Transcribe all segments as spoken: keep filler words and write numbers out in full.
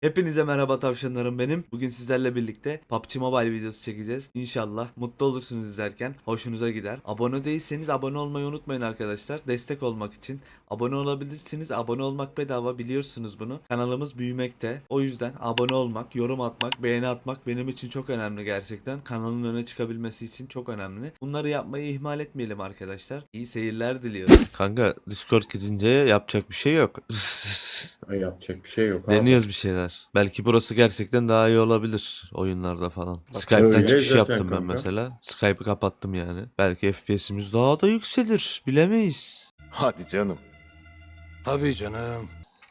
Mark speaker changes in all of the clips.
Speaker 1: Hepinize merhaba tavşanlarım benim. Bugün sizlerle birlikte P U B G Mobile videosu çekeceğiz. İnşallah mutlu olursunuz izlerken. Hoşunuza gider. Abone değilseniz abone olmayı unutmayın arkadaşlar. Destek olmak için. Abone olabilirsiniz. Abone olmak bedava, biliyorsunuz bunu. Kanalımız büyümekte. O yüzden abone olmak, yorum atmak, beğeni atmak benim için çok önemli gerçekten. Kanalın öne çıkabilmesi için çok önemli. Bunları yapmayı ihmal etmeyelim arkadaşlar. İyi seyirler diliyorum. Kanka Discord gidince yapacak bir şey yok.
Speaker 2: Ay, yapacak bir şey yok abi.
Speaker 1: Deniyoruz bir şeyler. Belki burası gerçekten daha iyi olabilir oyunlarda falan. Skype'tan
Speaker 2: Öyle
Speaker 1: çıkış
Speaker 2: zaten
Speaker 1: yaptım ben
Speaker 2: kanka.
Speaker 1: mesela. Skype'ı kapattım yani. Belki F P S'imiz daha da yükselir. Bilemeyiz.
Speaker 3: Hadi canım. Tabii canım.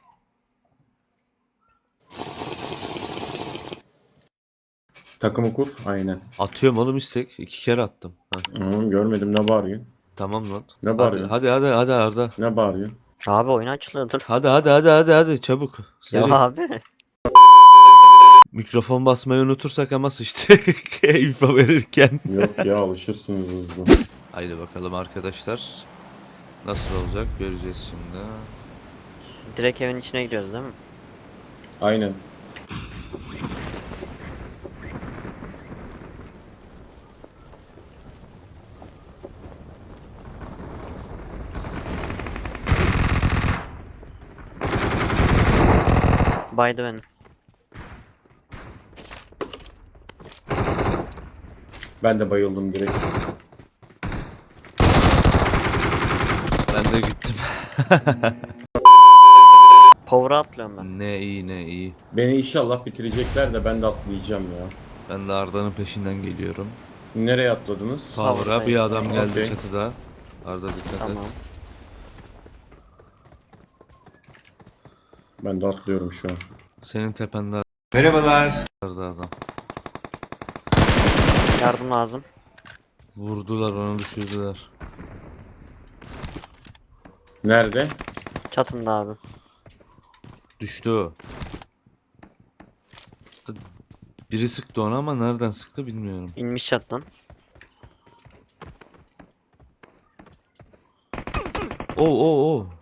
Speaker 2: Takımı kur. Aynen.
Speaker 1: Atıyorum oğlum istek. İki kere attım. Ha,
Speaker 2: Hı, görmedim, ne bağırıyorsun?
Speaker 1: tamam lan.
Speaker 2: Ne
Speaker 1: Hadi
Speaker 2: bağırıyorsun?
Speaker 1: hadi hadi hadi Arda.
Speaker 2: Ne bağırıyorsun?
Speaker 4: Abi oyun açılıyordur.
Speaker 1: Hadi hadi hadi hadi hadi çabuk.
Speaker 4: Ya
Speaker 1: Seri.
Speaker 4: abi.
Speaker 1: Mikrofon basmayı unutursak ama sıçtık. info verirken.
Speaker 2: Yok ya, alışırsınız hızlı.
Speaker 1: Haydi bakalım arkadaşlar. Nasıl olacak göreceğiz şimdi.
Speaker 4: Direkt evin içine gidiyoruz değil mi?
Speaker 2: Aynen.
Speaker 4: Baydı beni.
Speaker 2: Ben de bayıldım direkt.
Speaker 1: Ben de gittim.
Speaker 4: Power'a atlıyorum ben.
Speaker 1: Ne iyi ne iyi.
Speaker 2: Beni inşallah bitirecekler de ben de atlayacağım ya.
Speaker 1: Ben de Arda'nın peşinden geliyorum.
Speaker 2: Nereye atladınız?
Speaker 1: Power'a bir adam geldi
Speaker 2: Okey.
Speaker 1: çatıda. Arda dikkat
Speaker 4: Tamam.
Speaker 1: et.
Speaker 2: Ben de atlıyorum şu an.
Speaker 1: Senin tepende
Speaker 5: Merhabalar.
Speaker 1: Arda adam.
Speaker 4: Yardım lazım.
Speaker 1: Vurdular onu, düşürdüler.
Speaker 2: Nerede?
Speaker 4: Çatımda abi.
Speaker 1: Düştü o. Biri sıktı onu ama nereden sıktı bilmiyorum.
Speaker 4: İnmiş çattan.
Speaker 1: Oo oo oo.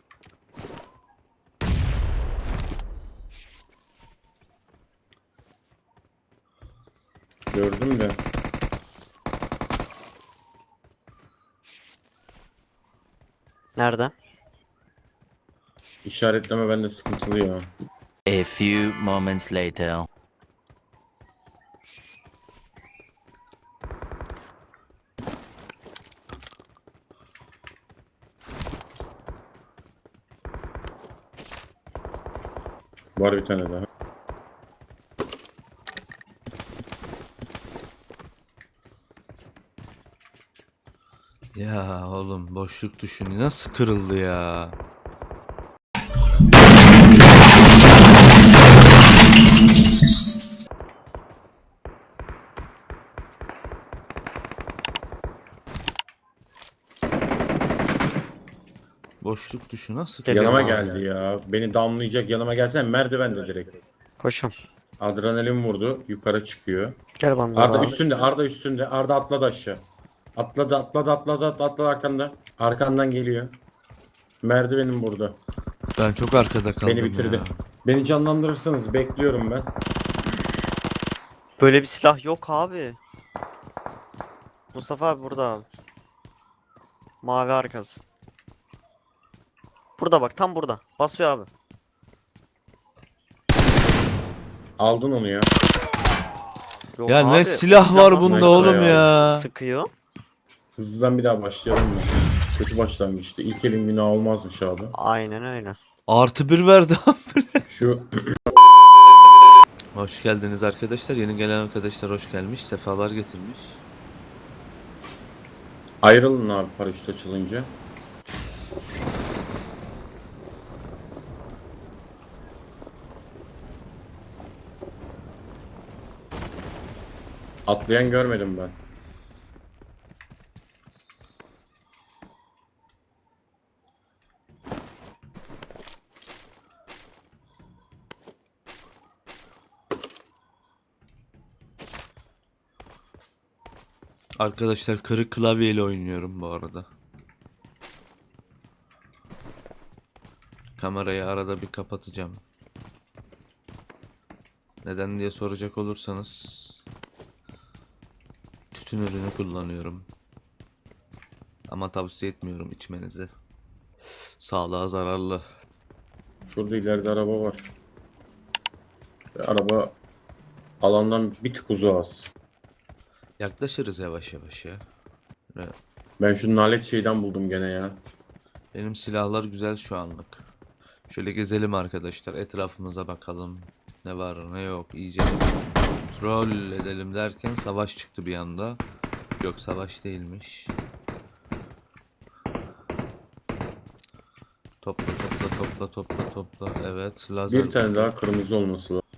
Speaker 2: Gördüm de.
Speaker 4: Nerede?
Speaker 2: İşaretleme bende sıkıntılı ya.
Speaker 6: A few moments later.
Speaker 2: Var bir tane daha.
Speaker 1: Ya oğlum boşluk düşünü nasıl kırıldı ya. Boşluk düşü nasıl kırıldı?
Speaker 4: Geliyorum
Speaker 2: Yanıma
Speaker 4: abi.
Speaker 2: geldi ya. Beni damlayacak, yanıma gelsen merdivende direkt.
Speaker 4: Koşum.
Speaker 2: Adrenalin vurdu. Yukarı çıkıyor.
Speaker 4: Gel bana
Speaker 2: Arda
Speaker 4: abi.
Speaker 2: üstünde, Arda üstünde. Arda atladı aşağı. Atladı, atladı, atladı, atladı, atladı arkanda. Arkandan geliyor. Merdivenim burada.
Speaker 1: Ben çok arkada kaldım
Speaker 2: Beni bitirdi.
Speaker 1: ya.
Speaker 2: Beni canlandırırsanız bekliyorum ben.
Speaker 4: Böyle bir silah yok abi. Mustafa abi burada abi. Mavi arkası. Burada bak, tam burada. Basıyor abi.
Speaker 2: Aldın onu ya.
Speaker 4: Yok
Speaker 1: Ya
Speaker 4: abi,
Speaker 1: ne
Speaker 4: o
Speaker 1: silah var
Speaker 4: nasıl
Speaker 1: bunda
Speaker 2: Neyse
Speaker 1: oğlum
Speaker 2: ya.
Speaker 1: ya.
Speaker 4: Sıkıyor.
Speaker 2: Hızlıdan bir daha başlayalım mı? Kötü başlangıçtı. İlk elin günah olmazmış abi.
Speaker 4: Aynen öyle.
Speaker 1: Artı bir verdi.
Speaker 2: Şu
Speaker 1: Hoş geldiniz arkadaşlar. Yeni gelen arkadaşlar hoş gelmiş. Sefalar getirmiş.
Speaker 2: ayrılın abi paraşüt açılınca. Atlayan görmedim ben.
Speaker 1: Arkadaşlar kırık klavyeyle oynuyorum bu arada. Kamerayı arada bir kapatacağım. Neden diye soracak olursanız tütün ürünü kullanıyorum. Ama tavsiye etmiyorum içmenizi. Sağlığa zararlı.
Speaker 2: Şurada ileride araba var. Ve araba alandan bir tık uzağız.
Speaker 1: Yaklaşırız yavaş yavaş ya. Ve
Speaker 2: Ben şu nalet şeyden buldum gene ya.
Speaker 1: benim silahlar güzel şu anlık. Şöyle gezelim arkadaşlar. Etrafımıza bakalım. Ne var ne yok. İyice kontrol edelim derken savaş çıktı bir anda. Yok, savaş değilmiş. Topla topla topla topla topla. Evet, lazer.
Speaker 2: Bir tane daha kırmızı olması lazım.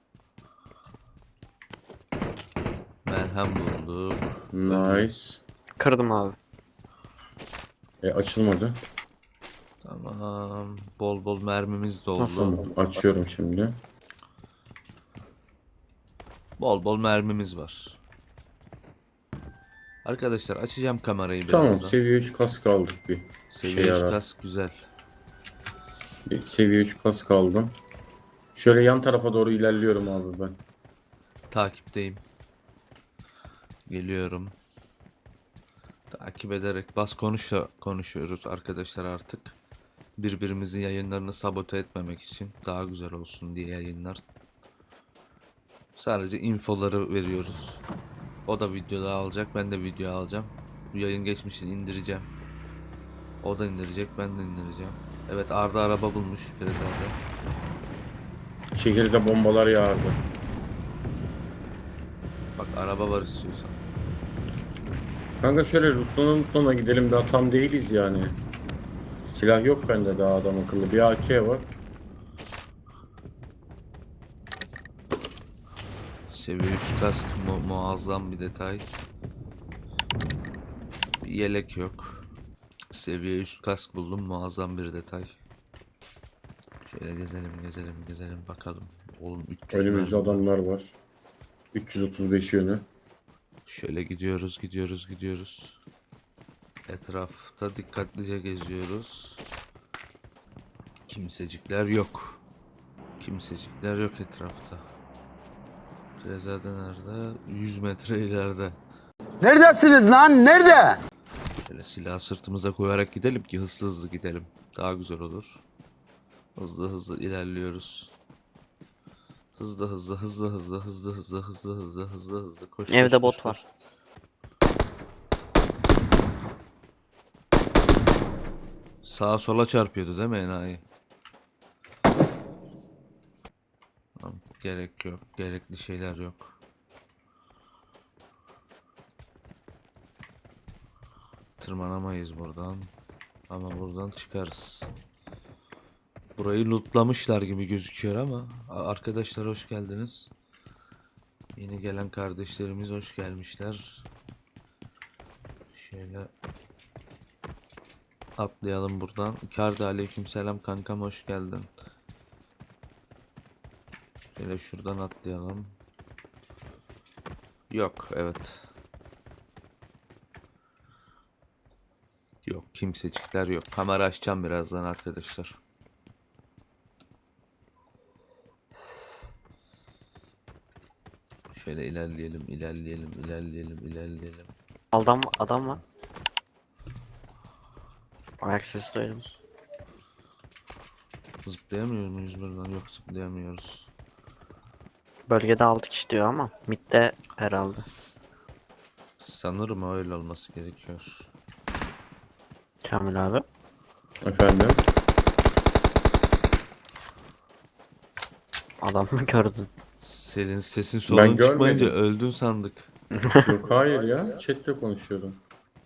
Speaker 1: Merhem bulduk.
Speaker 2: Nice.
Speaker 4: Kırdım abi.
Speaker 2: E açılmadı.
Speaker 1: Tamam. Bol bol mermimiz de oldu.
Speaker 2: Nasıl? Açıyorum şimdi.
Speaker 1: Bol bol mermimiz var. Arkadaşlar açacağım kamerayı
Speaker 2: Tamam,
Speaker 1: birazdan.
Speaker 2: seviye üç kask aldık bir.
Speaker 1: Seviye
Speaker 2: şey
Speaker 1: üç
Speaker 2: yarar.
Speaker 1: kask güzel.
Speaker 2: Bir seviye üç kask aldım. Şöyle yan tarafa doğru ilerliyorum abi ben.
Speaker 1: Takipteyim. Geliyorum. Takip ederek bas konuşla konuşuyoruz arkadaşlar artık. Birbirimizin yayınlarını sabote etmemek için daha güzel olsun diye yayınlar. Sadece infoları veriyoruz. O da videoda alacak, ben de video alacağım. Bu yayın geçmişini indireceğim. O da indirecek, ben de indireceğim. Evet, Arda araba bulmuş Rezade.
Speaker 2: Şehirde bombalar yağardı.
Speaker 1: Bak, araba var istiyorsan.
Speaker 2: Kanka şöyle Rutlana Rutlana gidelim, daha tam değiliz yani. Silah yok bende daha adam akıllı. Bir A K var.
Speaker 1: Seviye üç kask mu muazzam bir detay. Bir yelek yok. Seviye üç kask buldum, muazzam bir detay. Şöyle gezelim gezelim gezelim bakalım. Oğlum üç yüz
Speaker 2: Önümüzde
Speaker 1: mermi var.
Speaker 2: adamlar var. üç yüz otuz beş yönü.
Speaker 1: Şöyle gidiyoruz gidiyoruz gidiyoruz. Etrafta dikkatlice geziyoruz. Kimsecikler yok. Kimsecikler yok etrafta. Rezade nerede? yüz metre ileride.
Speaker 5: Neredesiniz lan? Nerede?
Speaker 1: Şöyle silahı sırtımıza koyarak gidelim ki hızlı hızlı gidelim. Daha güzel olur. Hızlı hızlı ilerliyoruz. Hızlı hızlı hızlı hızlı hızlı hızlı hızlı hızlı hızlı hızlı koş.
Speaker 4: Evde
Speaker 1: koş,
Speaker 4: bot
Speaker 1: koş,
Speaker 4: var.
Speaker 1: koş. Sağa sola çarpıyordu değil mi enayi? Tamam, gerek yok. Gerekli şeyler yok. Tırmanamayız buradan. Ama buradan çıkarız. Burayı lootlamışlar gibi gözüküyor ama A- arkadaşlar hoş geldiniz. Yeni gelen kardeşlerimiz hoş gelmişler. Şöyle atlayalım buradan. Icardi aleykümselam kankam, hoş geldin. Şöyle şuradan atlayalım. Yok, evet. Yok, kimsecikler yok. Kamera açacağım birazdan arkadaşlar. Şöyle ilerleyelim, ilerleyelim, ilerleyelim, ilerleyelim.
Speaker 4: Adam adam var. Ayak sesi duydum.
Speaker 1: Zıplayamıyor muyuz buradan? Yok, zıplayamıyoruz.
Speaker 4: Bölgede altı kişi diyor ama midde herhalde.
Speaker 1: Sanırım öyle olması gerekiyor.
Speaker 4: Kamil abi.
Speaker 2: Efendim.
Speaker 4: Adam mı gördün?
Speaker 1: Senin sesin solun çıkmayınca
Speaker 2: görmedim.
Speaker 1: öldün sandık.
Speaker 2: Yok hayır ya. Chat'le konuşuyordum.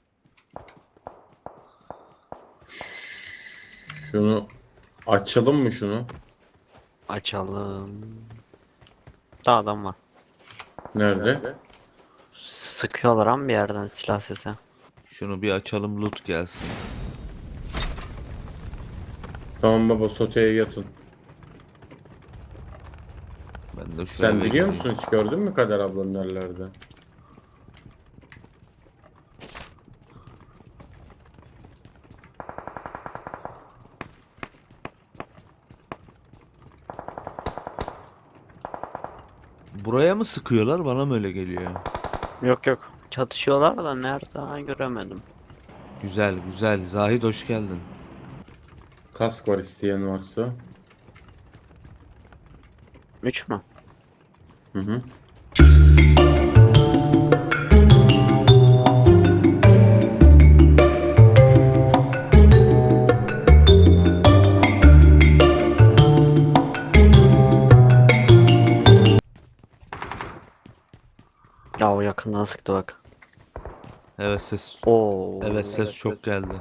Speaker 2: Şunu açalım mı şunu?
Speaker 4: Açalım. Daha adam var.
Speaker 2: Nerede?
Speaker 4: Sıkıyorlar ama bir yerden silah sesi.
Speaker 1: Şunu bir açalım, loot gelsin.
Speaker 2: Tamam baba, soteye yatın.
Speaker 1: Ben de şu
Speaker 2: Sen
Speaker 1: eve
Speaker 2: biliyor
Speaker 1: gireyim.
Speaker 2: musun, hiç gördün mü Kader ablanın nerelerde?
Speaker 1: Buraya mı sıkıyorlar? Bana mı öyle geliyor?
Speaker 4: Yok yok. Çatışıyorlar da nerede ha, göremedim.
Speaker 1: Güzel güzel. Zahid hoş geldin.
Speaker 2: Kask var isteyen varsa.
Speaker 4: Üç mü?
Speaker 2: Hı hı.
Speaker 4: Ya o yakından sıktı bak.
Speaker 1: Evet ses.
Speaker 4: Oo.
Speaker 1: Evet ses çok geldi.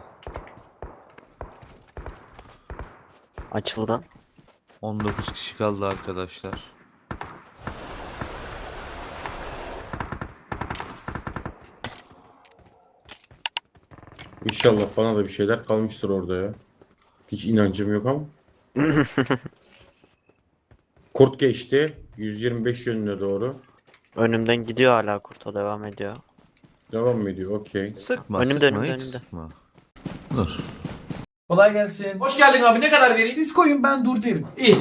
Speaker 4: Açıldı.
Speaker 1: on dokuz kişi kaldı arkadaşlar.
Speaker 2: İnşallah bana da bir şeyler kalmıştır orada ya. Hiç inancım yok ama. Kurt geçti. yüz yirmi beş yönüne doğru.
Speaker 4: Önümden gidiyor hala, kurta devam ediyor.
Speaker 2: Devam mı ediyor? Okey.
Speaker 1: Sıkma
Speaker 4: Önümde,
Speaker 1: sıkma
Speaker 4: önümde,
Speaker 1: hiç
Speaker 4: önümde.
Speaker 1: sıkma. Dur.
Speaker 7: Kolay gelsin. Hoş geldin abi. Ne kadar vereyim? Siz koyun, ben dur derim. İyi.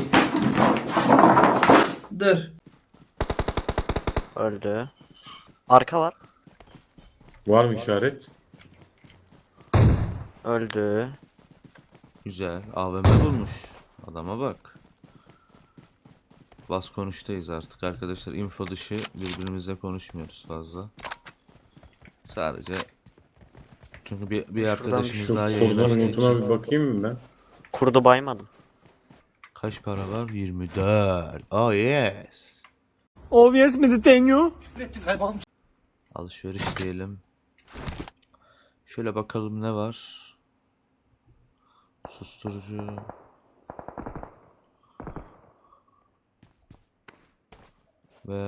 Speaker 7: Dur.
Speaker 4: Öldü. Arka var.
Speaker 2: Var mı işaret?
Speaker 4: Öldü.
Speaker 1: Güzel. A V M bulmuş. Adama bak. Bas konuştayız artık arkadaşlar. Info dışı birbirimizle konuşmuyoruz fazla. Sadece çünkü bir, bir
Speaker 4: Şuradan
Speaker 1: arkadaşımız
Speaker 2: Şu
Speaker 1: daha yayın
Speaker 2: kurdan
Speaker 1: açtığı
Speaker 2: notuna
Speaker 1: için.
Speaker 2: bir bakayım mı ben?
Speaker 4: Kurdu baymadım.
Speaker 1: Kaç para var? yirmi dört. Oh yes.
Speaker 7: Obvious mi the thing you?
Speaker 1: Alışveriş diyelim. Şöyle bakalım ne var. Susturucu. Ve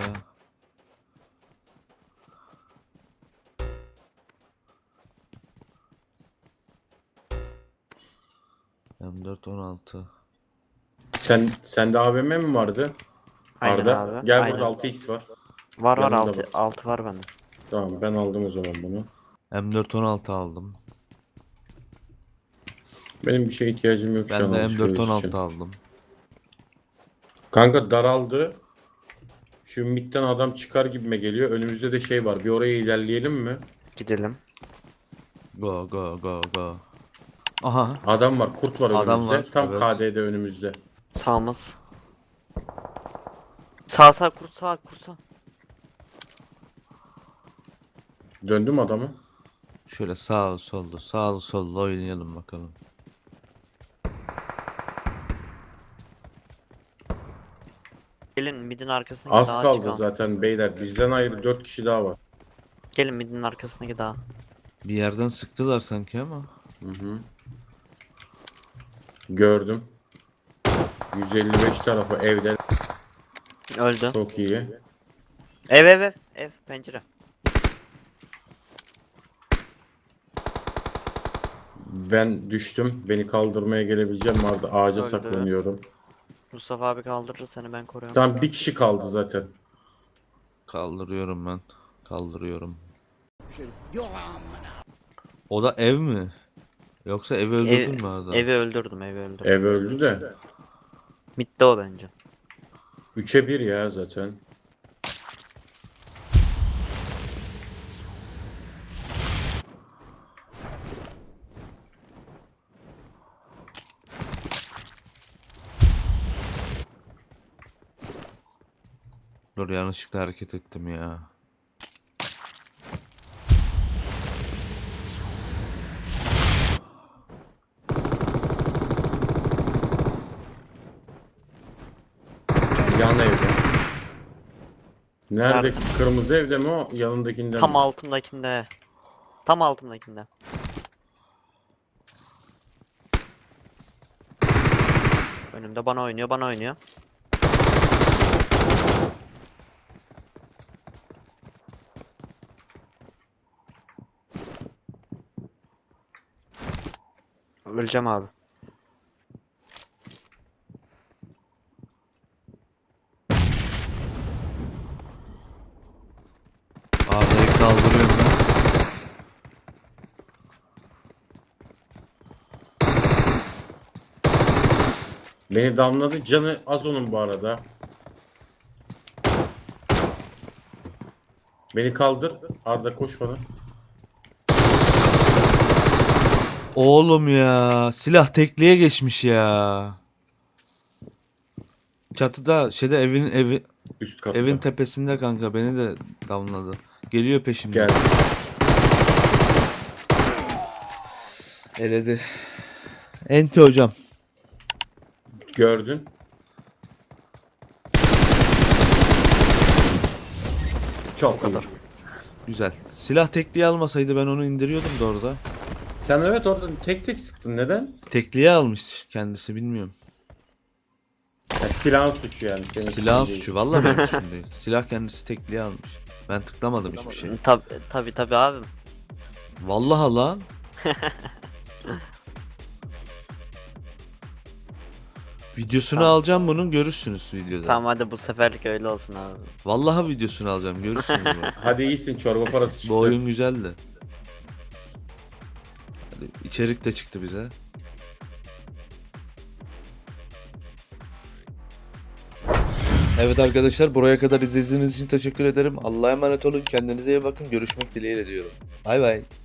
Speaker 1: M dört on altı.
Speaker 2: Sen sende A V M mi vardı?
Speaker 4: Aynen
Speaker 2: Arda.
Speaker 4: abi.
Speaker 2: Gel
Speaker 4: Aynen.
Speaker 2: burada altı x var.
Speaker 4: Var var,
Speaker 2: Yanında
Speaker 4: altı,
Speaker 2: bak.
Speaker 4: altı var bende.
Speaker 2: Tamam ben aldım o zaman bunu.
Speaker 1: M dört on altı aldım.
Speaker 2: Benim bir şeye ihtiyacım yok şu
Speaker 1: Ben
Speaker 2: an
Speaker 1: de M
Speaker 2: alışveriş
Speaker 1: dört on
Speaker 2: için.
Speaker 1: altı aldım.
Speaker 2: Kanka daraldı. Şu midden adam çıkar gibime geliyor. Önümüzde de şey var. Bir oraya ilerleyelim mi?
Speaker 4: Gidelim.
Speaker 1: Go go go go. Aha.
Speaker 2: Adam var. Kurt var
Speaker 1: Adam
Speaker 2: önümüzde.
Speaker 1: var,
Speaker 2: Tam
Speaker 1: evet.
Speaker 2: K D'de önümüzde.
Speaker 4: Sağımız. Sağ sağ kurt, sağ kurt, sağ.
Speaker 2: Döndüm adamı.
Speaker 1: Şöyle sağ sollu sağ sollu oynayalım bakalım.
Speaker 4: Gelin midin arkasına
Speaker 2: Az
Speaker 4: daha
Speaker 2: kaldı
Speaker 4: çıkalım.
Speaker 2: zaten beyler. Bizden ayrı dört kişi daha var.
Speaker 4: Gelin midin arkasına daha.
Speaker 1: Bir yerden sıktılar sanki ama.
Speaker 2: Hı hı. Gördüm. yüz elli beş tarafı evde.
Speaker 4: Öldü.
Speaker 2: Çok iyi.
Speaker 4: Ev ev ev. Ev pencere.
Speaker 2: Ben düştüm. Beni kaldırmaya gelebileceğim vardı. Ağaca
Speaker 4: Öldü.
Speaker 2: saklanıyorum.
Speaker 4: Mustafa abi kaldırır seni, ben koruyorum.
Speaker 2: Tam bir kişi kaldı zaten.
Speaker 1: Kaldırıyorum ben. Kaldırıyorum. O da ev mi? Yoksa evi öldürdün
Speaker 4: Ev-
Speaker 1: mü Arda?
Speaker 4: Evi öldürdüm, evi öldürdüm.
Speaker 2: Ev öldü de.
Speaker 4: Midde o bence.
Speaker 2: üçe bir ya zaten.
Speaker 1: Dur yanlışlıkla hareket ettim ya.
Speaker 2: Yan evde. Neredeki kırmızı evde mi o? Yanındakinden
Speaker 4: Tam
Speaker 2: mi?
Speaker 4: altımdakinde. Tam altımdakinde. Önümde bana oynuyor, bana oynuyor. Öleceğim abi.
Speaker 1: Arda'yı kaldırıyorum ben.
Speaker 2: Beni damladı. Canı az onun bu arada. Beni kaldır. Arda koş bana.
Speaker 1: Oğlum ya. Silah tekliğe geçmiş ya. Çatıda şeyde evin evi
Speaker 2: Üst katta.
Speaker 1: evin tepesinde kanka beni de damladı. Geliyor peşimden.
Speaker 2: Gel.
Speaker 1: Eledi. Enti hocam.
Speaker 2: Gördün. Çok iyi.
Speaker 1: Güzel. Silah tekliğe almasaydı ben onu indiriyordum da orada.
Speaker 2: Sen evet orada tek tek sıktın. Neden?
Speaker 1: Tekliğe almış kendisi bilmiyorum.
Speaker 2: Ya, silahın suçu yani. Senin
Speaker 1: Silahın
Speaker 2: suçun değil.
Speaker 1: suçu vallahi benim suçum değil. Silah kendisi tekliğe almış. Ben tıklamadım hiçbir şey.
Speaker 4: Tabi tabi tabi abim.
Speaker 1: Vallahi lan. Videosunu
Speaker 4: Tamam.
Speaker 1: alacağım bunun görürsünüz videoda.
Speaker 4: Tamam hadi bu seferlik öyle olsun abi.
Speaker 1: Vallahi videosunu alacağım görürsünüz. bunu.
Speaker 2: Hadi iyisin, çorba parası çıktı.
Speaker 1: Bu oyun güzeldi. Hadi içerik de çıktı bize. Evet arkadaşlar buraya kadar izlediğiniz için teşekkür ederim. Allah'a emanet olun. Kendinize iyi bakın. Görüşmek dileğiyle diyorum. Bay bay.